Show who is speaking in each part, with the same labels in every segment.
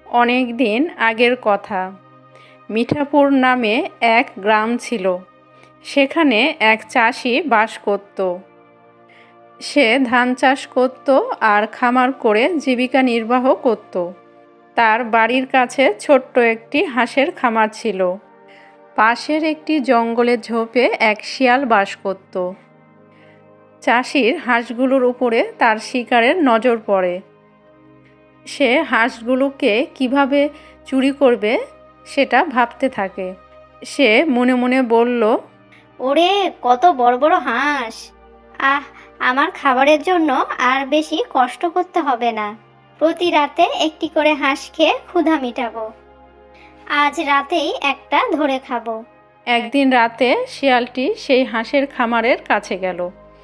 Speaker 1: অনেক দিন আগের কথা। মিঠাপুর নামে এক গ্রাম ছিল। সেখানে এক চাষি বাস করত। সে ধান চাষ করত আর খামার করে জীবিকা নির্বাহ করত। তার বাড়ির কাছে ছোট্ট একটি হাঁসের খামার ছিল। পাশের একটি জঙ্গলের ঝোপে এক শিয়াল বাস করত। চাষির হাঁসগুলোর উপরে তার শিকারের নজর পড়ে। সে হাঁসগুলোকে কিভাবে চুরি করবে সেটা ভাবতে থাকে। সে মনে মনে বলল,
Speaker 2: ওরে, কত বড় বড় হাঁস! আহ, আমার খাবারের জন্য আর বেশি কষ্ট করতে হবে না। প্রতি রাতে একটি করে হাঁস খেয়ে ক্ষুধা মিটাবো। আজ রাতেই একটা ধরে খাবো।
Speaker 1: একদিন রাতে শিয়ালটি সেই হাঁসের খামারের কাছে গেল।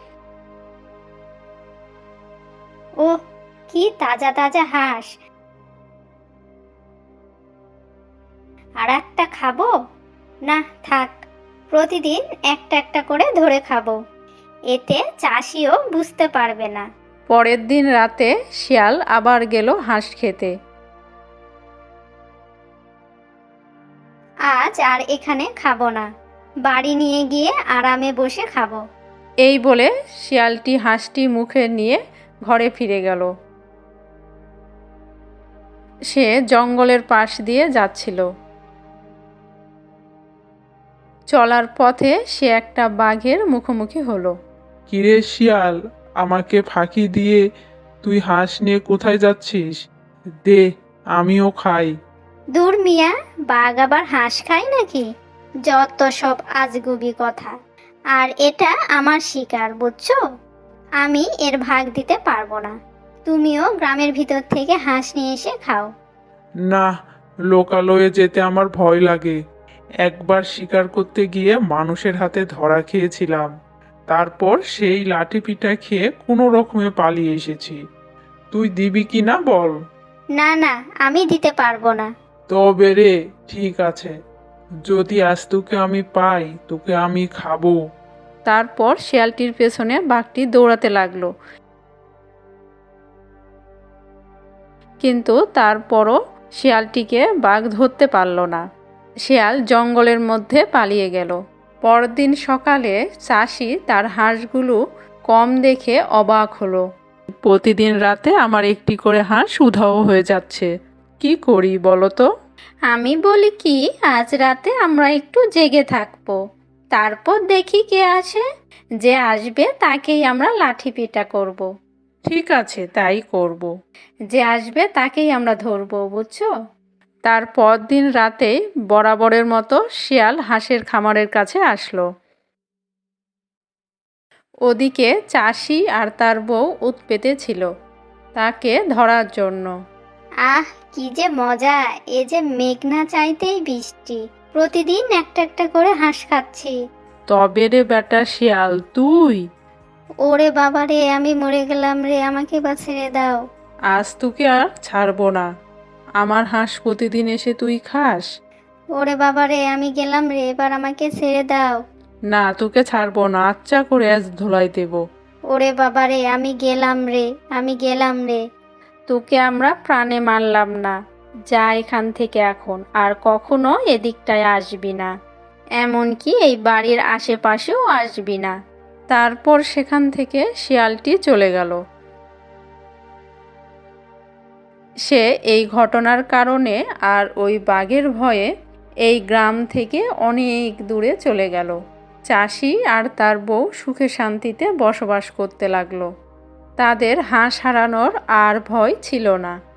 Speaker 2: ওহ, কি তাজা তাজা হাঁস! আর একটা খাবো? না, থাক, প্রতিদিন একটা একটা করে ধরে খাবো। এতে চাষিও বুঝতে পারবে না।
Speaker 1: পরের দিন রাতে শিয়াল আবার গেল হাঁস খেতে।
Speaker 2: আজ আর এখানে খাবো না, বাড়ি নিয়ে গিয়ে আরামে বসে খাবো।
Speaker 1: এই বলে শিয়ালটি হাঁসটি মুখে নিয়ে ঘরে ফিরে গেল। সে জঙ্গলের পাশ দিয়ে যাচ্ছিল। চলার পথে সে একটা বাঘের মুখোমুখি হলো।
Speaker 3: কিরে শিয়াল, আমাকে ফাঁকি দিয়ে তুই হাঁস নিয়ে কোথায় যাচ্ছিস? দে, আমিও খাই।
Speaker 2: দূর মিয়া, বাঘ আবার হাঁস খায় নাকি? যত সব আজগুবি কথা। আর এটা আমার শিকার, বুঝছো? আমি এর ভাগ দিতে পারবো না। তুমিও গ্রামের ভিতর থেকে হাঁস নিয়ে এসে খাও।
Speaker 3: না, লোকালয়ে যেতে আমার ভয় লাগে। একবার শিকার করতে গিয়ে মানুষের হাতে ধরা খেয়েছিলাম। তারপর সেই লাঠি পিঠা খেয়ে কোনো রকমে পালিয়ে এসেছি। তুই দিবি কি না বল?
Speaker 2: না না, আমি দিতে পারবো না।
Speaker 3: তবে রে, ঠিক আছে, যদি আজ তোকে আমি পাই, তোকে আমি খাবো।
Speaker 1: তারপর শিয়ালটির পেছনে বাঘটি দৌড়াতে লাগলো। কিন্তু তারপরও শিয়ালটিকে বাঘ ধরতে পারল না। শিয়াল জঙ্গলের মধ্যে পালিয়ে গেল। পরদিন সকালে চাষি তার হাঁসগুলো কম দেখে অবাক হলো। প্রতিদিন রাতে আমার একটি করে হাঁস উধাও হয়ে যাচ্ছে, কি করি বলো তো?
Speaker 2: আমি বলি কি, আজ রাতে আমরা একটু জেগে থাকবো। তারপর দেখি কে আসে। যে আসবে তাকেই আমরা লাঠি পিটা করব।
Speaker 1: ঠিক আছে, তাই করব।
Speaker 2: যে আসবে তাকেই আমরা ধরবো, বুঝছো?
Speaker 1: তার পরদিন রাতেই বরাবরের মতো শিয়াল হাঁসের খামারের কাছে আসলো। ওদিকে চাষি আর তার বউ উৎপেতে ছিল তাকে ধরার জন্য।
Speaker 2: আহ, কি যে মজা! এ যে মেঘ না চাইতেই বৃষ্টি। প্রতিদিন একটা একটা করে হাঁস খাচ্ছি।
Speaker 1: তবে রে বেটা শিয়াল, তুই?
Speaker 2: ওরে বাবা রে, আমি মরে গেলাম রে, আমাকে বা ছেড়ে দাও।
Speaker 1: আজ তোকে আর ছাড়বো না। আমার হাঁস প্রতিদিন এসে তুই খাস।
Speaker 2: ওরে বাবা রে, আমি গেলাম রে, এবার আমাকে ছেড়ে দাও।
Speaker 1: না, তোকে ছাড়বো না, আচ্ছা করে আজ ধোলাই দেব।
Speaker 2: ওরে বাবা রে, আমি গেলাম রে, আমি গেলাম রে।
Speaker 1: তোকে আমরা প্রাণে মারলাম না। যা এখান থেকে এখন, আর কখনো এদিকটায় আসবি না। এমনকি এই বাড়ির আশেপাশেও আসবি না। তারপর সেখান থেকে শিয়ালটি চলে গেল। সে এই ঘটনার কারণে আর ওই বাঘের ভয়ে এই গ্রাম থেকে অনেক দূরে চলে গেল। চাষি আর তার বউ সুখে শান্তিতে বসবাস করতে লাগলো। তাদের হাঁস হারানোর আর ভয় ছিল না।